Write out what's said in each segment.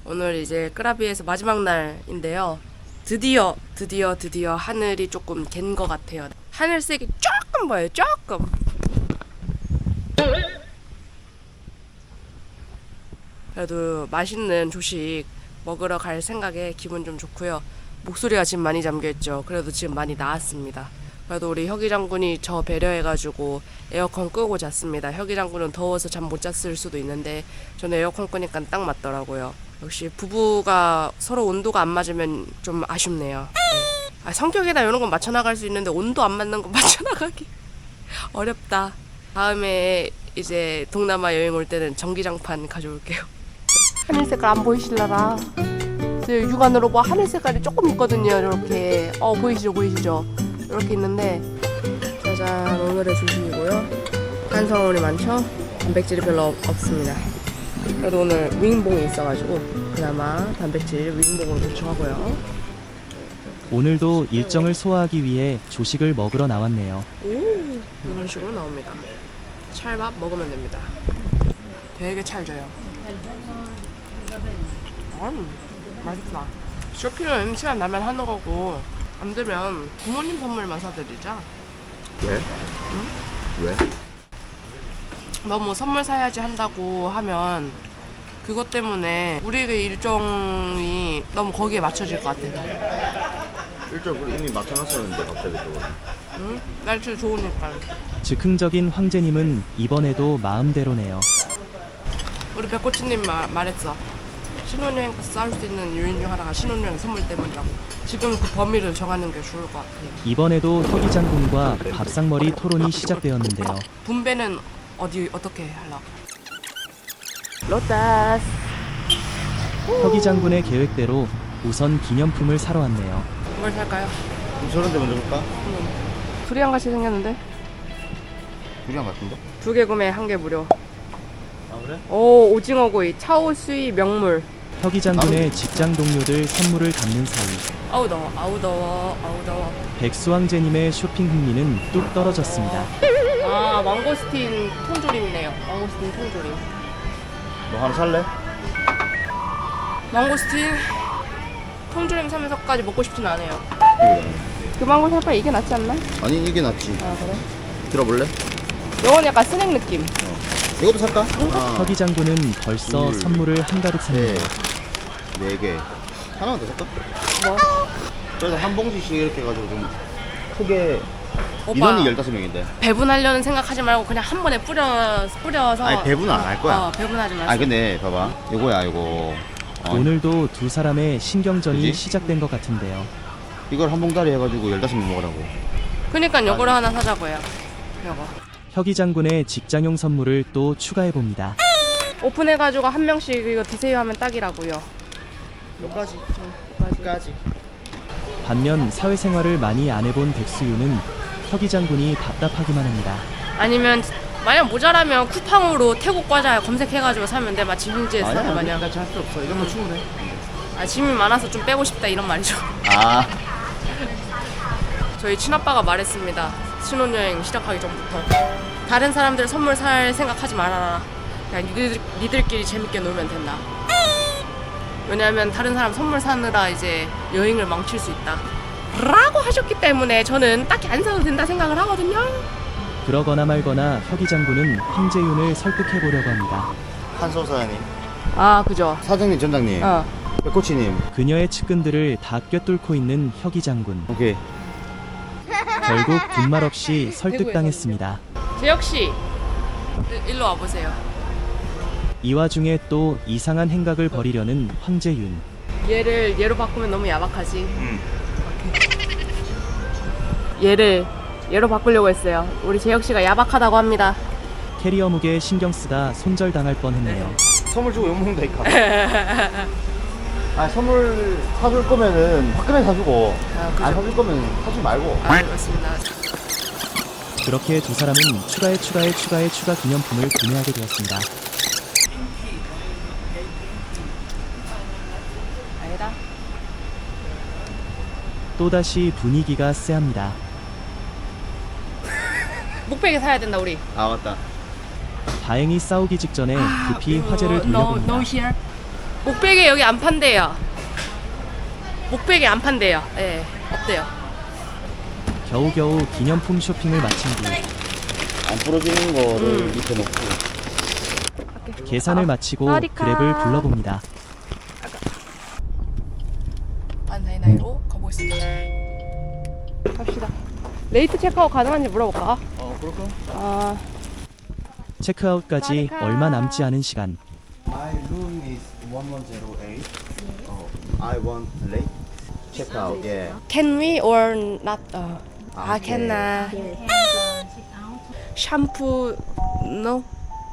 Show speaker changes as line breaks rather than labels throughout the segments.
오늘 이제 끄라비에서 마지막 날인데요. 드디어 하늘이 조금 갠 것 같아요. 하늘색이 조금 보여요. 조금. 그래도 맛있는 조식 먹으러 갈 생각에 기분 좀 좋고요. 목소리가 지금 많이 잠겨있죠. 그래도 지금 많이 나았습니다. 그래도 우리 혁이 장군이 저 배려해가지고 에어컨 끄고 잤습니다. 혁이 장군은 더워서 잠 못 잤을 수도 있는데 저는 에어컨 끄니까 딱 맞더라고요. 역시 부부가 서로 온도가 안 맞으면 좀 아쉽네요. 네. 성격이나 이런 건 맞춰나갈 수 있는데 온도 안 맞는 거 맞춰나가기 어렵다. 다음에 이제 동남아 여행 올 때는 전기장판 가져올게요. 하늘 색깔 안 보이실라나? 육안으로 뭐 하늘 색깔이 조금 있거든요. 이렇게 보이시죠? 이렇게 있는데 짜잔, 오늘의 조식이고요. 탄수화물이 많죠? 단백질이 별로 없습니다. 그래도 오늘 윙봉이 있어가지고 그나마 단백질 윙봉으로 도축하고요.
오늘도 일정을 소화하기 위해 조식을 먹으러 나왔네요.
이런 식으로 나옵니다. 찰밥 먹으면 됩니다. 되게 찰져요. 맛있다. 쇼핑은 시간 나면 하는 거고 안 되면 부모님 선물만 사드리자.
왜?
응?
왜?
너무 선물 사야지 한다고 하면 그것 때문에 우리의 일정이 너무 거기에 맞춰질 것 같아서.
일정 우리 이미 맞춰놨었는데 갑자기 또.
응? 날씨 좋으니까.
즉흥적인 황제님은 이번에도 마음대로네요.
우리 백코치님 말했어. 신혼여행 가서 싸울 수 있는 요인 중 하나가 신혼여행 선물 때문이라고. 지금 그 범위를 정하는 게 좋을 것 같아요.
이번에도 혁이 장군과 밥상머리 토론이 시작되었는데요.
분배는 어떻게 하려고? 로타스.
혁이 장군의 계획대로 우선 기념품을 사러 왔네요.
뭘 살까요?
저런 데 먼저 볼까?
두리안 같이 생겼는데?
두리안 같은데?
2개 구매 1개 무료.
아 그래?
오, 오징어구이 차오수이 명물.
혁이 장군의 직장 동료들 선물을 담는 사이
아우 더워.
백수 황제님의 쇼핑 흥미는 뚝 떨어졌습니다.
아, 망고스틴 통조림이네요. 망고스틴 통조림.
너 하나 살래?
망고스틴 통조림 사면서까지 먹고 싶진 않아요.
이거잖아.
그 망고 살 바에 이게 낫지 않나?
아니 이게 낫지.
아, 그래?
들어볼래?
이건 약간 스낵 느낌.
이것도 살까? 하나,
혁이 장군은 벌써
둘,
선물을 한가득 샀네요.
네 개. 하나만 더 살까?
뭐?
그래서 한 봉지씩 이렇게 해가지고 좀 크게.
오빠,
인원이 15명인데.
배분하려는 생각하지 말고 그냥 한 번에 뿌려서.
아니 배분은 안 할 거야.
배분하지 마세요.
아니 근데 봐봐. 요거야 요거.
오늘도 두 사람의 신경전이
그지?
시작된 것 같은데요.
이걸 한 봉다리 해가지고 15명 먹으라고.
그러니까 요거를 하나 사자고요. 요거.
혁이 장군의 직장용 선물을 또 추가해봅니다.
오픈해가지고 한 명씩 이거 드세요 하면 딱이라고요.
여기까지.
여기까지.
반면 사회생활을 많이 안 해본 백수유는 혁이 장군이 답답하기만 합니다.
아니면 만약 모자라면 쿠팡으로 태국 과자 검색해가지고 사면 돼. 마치 현지에서
아니야
마냥.
나 잘수 없어. 이런 거 충분해.
짐이 많아서 좀 빼고 싶다 이런 말이죠.
아.
저희 친아빠가 말했습니다. 신혼여행 시작하기 전부터 다른 사람들 선물 살 생각하지 말아라. 그냥 니들끼리 재밌게 놀면 된다. 왜냐하면 다른 사람 선물 사느라 이제 여행을 망칠 수 있다 라고 하셨기 때문에 저는 딱히 안 사도 된다 생각을 하거든요.
그러거나 말거나 혁이 장군은 황제윤을 설득해보려고 합니다.
한소 사장님.
아, 그죠.
사장님, 전장님. 백코치님.
그녀의 측근들을 다 꿰뚫고 있는 혁이 장군.
오케이.
결국 분말 없이 설득당했습니다.
재혁씨 일로 와보세요.
이 와중에 또 이상한 행각을 벌이려는 황제윤.
얘로 바꾸면 너무 야박하지. 얘로 바꾸려고 했어요. 우리 재혁씨가 야박하다고 합니다.
캐리어 무게에 신경 쓰다 손절당할 뻔했네요.
선물 주고 욕먹는다니까. 아 선물 사줄 거면은 화끈하게 사주고
그죠.
안 사줄 거면 사주지 말고.
맞습니다.
그렇게 두 사람은 추가 기념품을 구매하게 되었습니다.
아니다.
또다시 분위기가 쎄합니다.
목베개 사야 된다 우리.
아 맞다.
다행히 싸우기 직전에 급히 화제를
no
돌려봅니다.
here. 목베개 여기 안 판대요. 목베개 안 판대요. 예, 없대요.
겨우겨우 기념품 쇼핑을 마친 뒤
안 부러지는 거를 밑에 놓고.
계산을 마치고
사와디카.
그랩을 불러봅니다.
반사이나이로 가보겠습니다. 갑시다. 레이트 체크아웃 가능한지 물어볼까?
그럴까?
아,
체크아웃까지
사와디카.
얼마 남지 않은 시간.
My room is 1108. I want late check out. Yeah.
can we or not?
네.
cannot. 샴푸 no?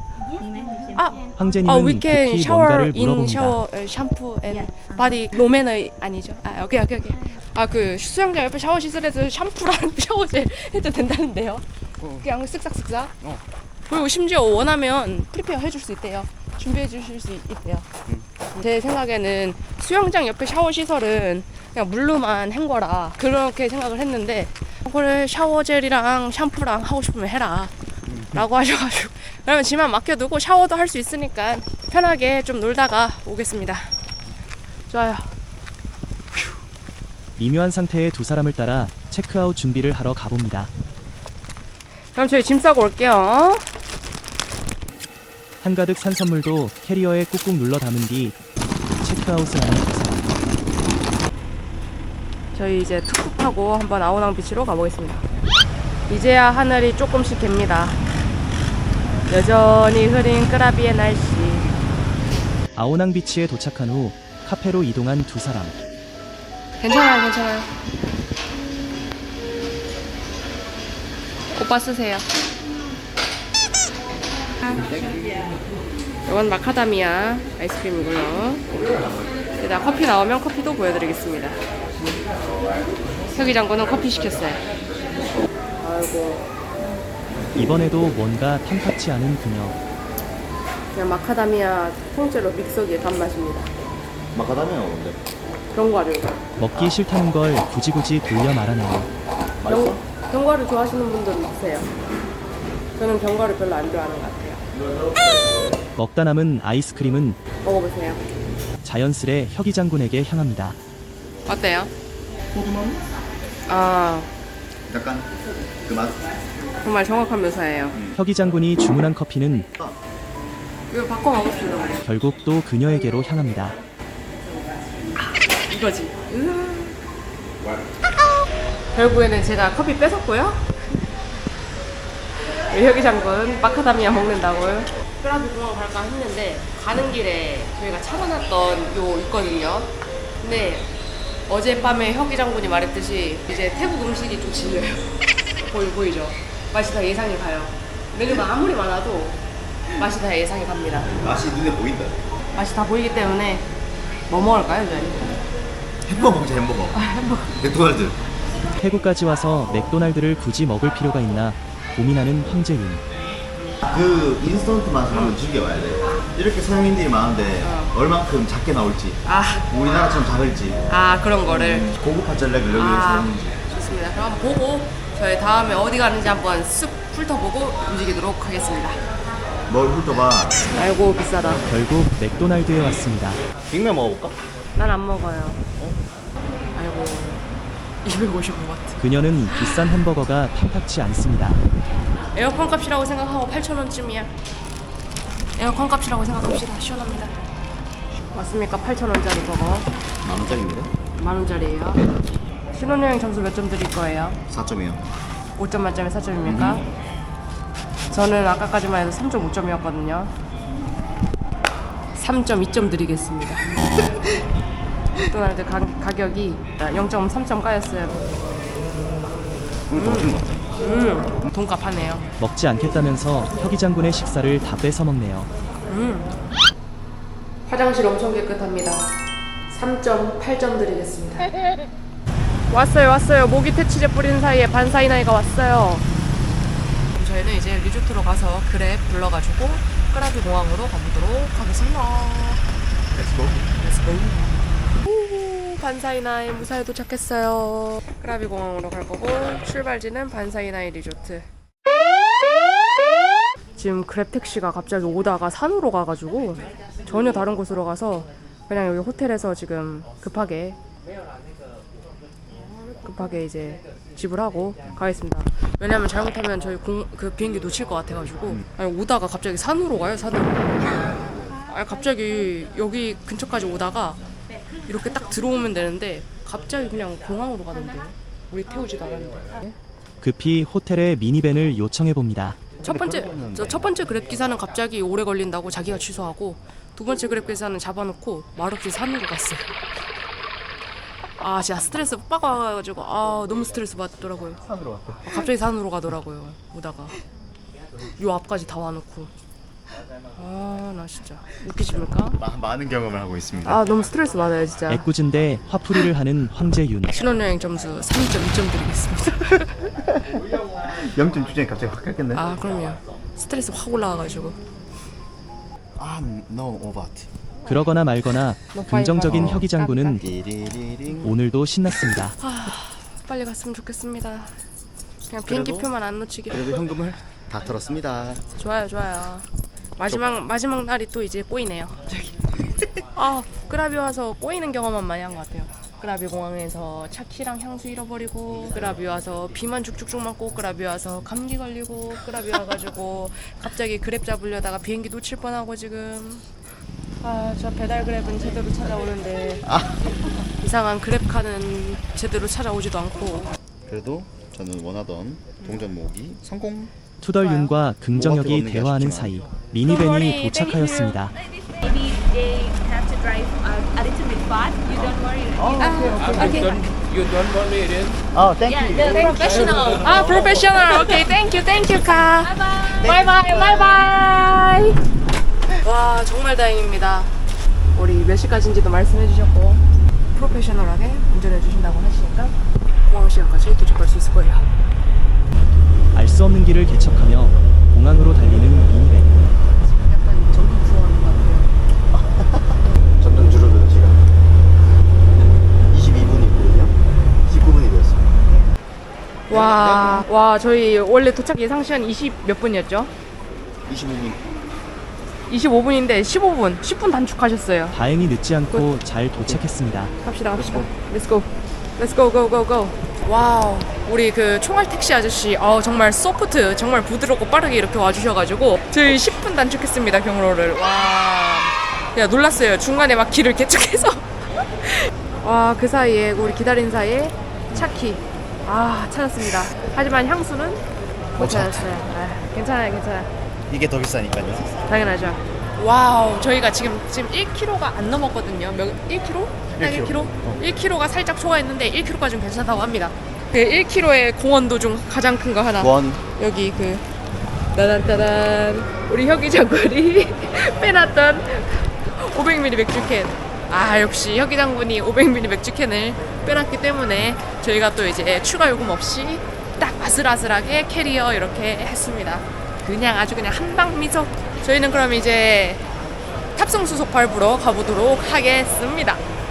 황제님은
we can
급히
shower
뭔가를
in
물어봅니다.
shower 샴푸 and body 노매너 아니죠? 오케이. 그 수영장 옆에 샤워 시설에서 샴푸랑 샤워젤 해도 된다는데요. 그냥 쓱싹쓱싹. 그리고 심지어 원하면 프리페어 해줄 수 있대요. 준비해 주실 수 있대요. 제 생각에는 수영장 옆에 샤워 시설은 그냥 물로만 한 거라 그렇게 생각을 했는데 그래 샤워젤이랑 샴푸랑 하고 싶으면 해라 라고 하셔가지고 그러면 집만 맡겨두고 샤워도 할 수 있으니까 편하게 좀 놀다가 오겠습니다. 좋아요.
미묘한 상태의 두 사람을 따라 체크아웃 준비를 하러 가봅니다.
그럼 저희 짐 싸고 올게요.
한가득 산 선물도 캐리어에 꾹꾹 눌러 담은 뒤 체크아웃을 하는 두 사람.
저희 이제 툭툭하고 한번 아오낭 비치로 가보겠습니다. 이제야 하늘이 조금씩 갭니다. 여전히 흐린 끄라비의 날씨.
아오낭 비치에 도착한 후 카페로 이동한 두 사람.
괜찮아요. 오빠 쓰세요. 이건 마카다미아 아이스크림이고요. 일단 커피 나오면 커피도 보여드리겠습니다. 혁이 장군은 커피 시켰어요. 아이고.
이번에도 뭔가 탐탁치 않은 그녀.
그냥 마카다미아 통째로 믹서기에 단맛입니다.
마카다미아 뭔데?
견과류.
먹기 싫다는 걸 굳이 돌려 말하네요.
맛있어?
견과류 좋아하시는 분들은 드세요. 저는 견과류 별로 안 좋아하는 것 같아요.
먹다 남은 아이스크림은
먹어보세요.
자연스레 혁이 장군에게 향합니다.
어때요? 아,
약간 그 맛.
정말 정확한 묘사예요.
혁이 장군이 주문한 커피는
이거 바꿔 먹읍시다.
결국 또 그녀에게로 향합니다.
이거지. 결국에는 제가 커피 뺏었고요. 혁이 장군 마카다미아 먹는다고요. 끄라비 공항 갈까 했는데 가는 길에 저희가 차려놨던 요 있거든요. 근데 어젯밤에 혁이 장군이 말했듯이 이제 태국 음식이 좀 질려요. 보이죠? 맛이 다 예상이 가요. 메뉴가 아무리 많아도 맛이 다 예상이 갑니다.
맛이 눈에 보인다.
맛이 다 보이기 때문에 뭐 먹을까요, 저희?
햄버거 먹자 햄버거. 맥도날드.
태국까지 와서 맥도날드를 굳이 먹을 필요가 있나 고민하는 황재윤.
그 인스턴트 맛을 한번 즐겨봐야 돼. 이렇게 서양인들이 많은데 얼만큼 작게 나올지, 우리나라처럼 작을지,
그런 거를.
고급 파절렉을 여기서 사는지.
좋습니다. 그럼 한번 보고 저희 다음에 어디 가는지 한번 쓱 훑어보고 움직이도록 하겠습니다.
뭘 훑어봐.
아이고 비싸다.
결국 맥도날드에 왔습니다.
빅맥 먹어볼까?
난 안 먹어요. 아이고 255바트.
그녀는 비싼 햄버거가 탐탁치 않습니다.
에어컨 값이라고 생각하고 8,000원쯤이야. 에어컨 값이라고 생각합시다. 시원합니다. 맞습니까? 8,000원짜리 버거.
10,000원짜리입니다.
10,000원짜리예요. 신혼여행 점수 몇 점 드릴 거예요?
4점이요.
5점 만점에 4점입니까? 저는 아까까지만 해도 3.5점이었거든요. 3.2점 드리겠습니다. 맥도날드 가격이 0.3점 까였어요. 돈값 하네요.
먹지 않겠다면서 혁이 장군의 식사를 다 뺏어 먹네요.
화장실 엄청 깨끗합니다. 3.8점 드리겠습니다. 왔어요. 모기 퇴치제 뿌리는 사이에 반사이나이가 왔어요. 그럼 저희는 이제 리조트로 가서 그랩 불러가지고 끄라비 공항으로 가보도록 하겠습니다. Let's go. 오, 반사이나이 무사히 도착했어요. 끄라비 공항으로 갈 거고 출발지는 반사이나이 리조트. 지금 그랩 택시가 갑자기 오다가 산으로 가가지고 전혀 다른 곳으로 가서 그냥 여기 호텔에서 지금 급하게 이제 지불하고 가겠습니다. 왜냐면 잘못하면 저희 그 비행기 놓칠 것 같아가지고. 아니, 오다가 갑자기 산으로 가요, 산으로. 아니, 갑자기 여기 근처까지 오다가 이렇게 딱 들어오면 되는데 갑자기 그냥 공항으로 가던데요. 우리 태우지도 않았는데.
급히 호텔에 미니밴을 요청해 봅니다.
첫 번째 그랩 기사는 갑자기 오래 걸린다고 자기가 취소하고, 두 번째 그랩 기사는 잡아놓고 말없이 산으로 갔어요. 아, 진짜 스트레스 빡 와가지고 너무 스트레스 받더라고요.
산으로 왔대.
갑자기 산으로 가더라고요. 오다가 요 앞까지 다 와놓고. 나 진짜 웃기십니까?
많은 경험을 하고 있습니다.
너무 스트레스 받아요 진짜.
애꿎은데 화풀이를 하는 황재윤.
신혼여행 점수 3.2점 드리겠습니다.
0점 주제에 갑자기 확 깎였네.
그럼요. 스트레스 확 올라와가지고.
no over.
그러거나 말거나 긍정적인 혁이 장군은
띠리리링.
오늘도 신났습니다.
빨리 갔으면 좋겠습니다. 그냥 비행기표만 안 놓치게.
그래도 현금을 다 털었습니다.
좋아요. 마지막 날이 또 이제 꼬이네요. 저기. 끄라비 와서 꼬이는 경험만 많이 한 것 같아요. 끄라비 공항에서 차키랑 향수 잃어버리고, 끄라비 와서 비만 쭉쭉쭉 맞고, 끄라비 와서 감기 걸리고, 끄라비 와가지고 갑자기 그랩 잡으려다가 비행기 놓칠 뻔하고 지금. 저 배달 그랩은 제대로 찾아오는데 이상한 그랩카는 제대로 찾아오지도 않고.
그래도 저는 원하던 동전 모으기 성공.
투덜윤과 긍정혁이 대화하는 사이 미니밴이 도착하였습니다.
Maybe they have to drive a little bit far. You don't worry.
Okay.
You don't worry, it is.
Thank
Yeah, the professional.
프로페셔널. 오케이, 땡큐 카. 바이바이. 와, 정말 다행입니다. 우리 몇 시까지인지도 말씀해 주셨고, 프로페셔널하게 운전해 주신다고 하시니까 공항 시간까지 도착할 수 있을 거예요.
알 수 없는 길을 개척하며 공항으로 달리는 미니밴.
약간 전국 투어하는 것 같아요.
점점 줄어드는 시간. 22분이거든요. 19분이 되었습니다.
와, 저희 원래 도착 예상 시간 20 몇 분이었죠?
25분.
25분인데 15분, 10분 단축하셨어요.
다행히 늦지 않고 잘 도착했습니다.
갑시다. Let's go. 와우, 우리 그 총알 택시 아저씨, 정말 소프트, 정말 부드럽고 빠르게 이렇게 와주셔가지고 저희 10분 단축했습니다, 경로를. 와, 그냥 놀랐어요. 중간에 막 길을 개척해서. 와, 그 사이에 우리 기다린 사이에 차키 찾았습니다. 하지만 향수는 못 찾았어요. 괜찮아요.
이게 더 비싸니까요.
당연하죠. 와우, 저희가 지금 1km가 안 넘었거든요. 1km? 딱 1km? 1km가 살짝 초과했는데 1km까지는 괜찮다고 합니다. 그 1km의 공원도 중 가장 큰 거 하나. 여기 그 따단 우리 혁이 장군이 빼놨던 500ml 맥주캔. 역시 혁이 장군이 500ml 맥주캔을 빼놨기 때문에 저희가 또 이제 추가 요금 없이 딱 아슬아슬하게 캐리어 이렇게 했습니다. 그냥 아주 그냥 한방 미소. 저희는 그럼 이제 탑승 수속 밟으러 가보도록 하겠습니다.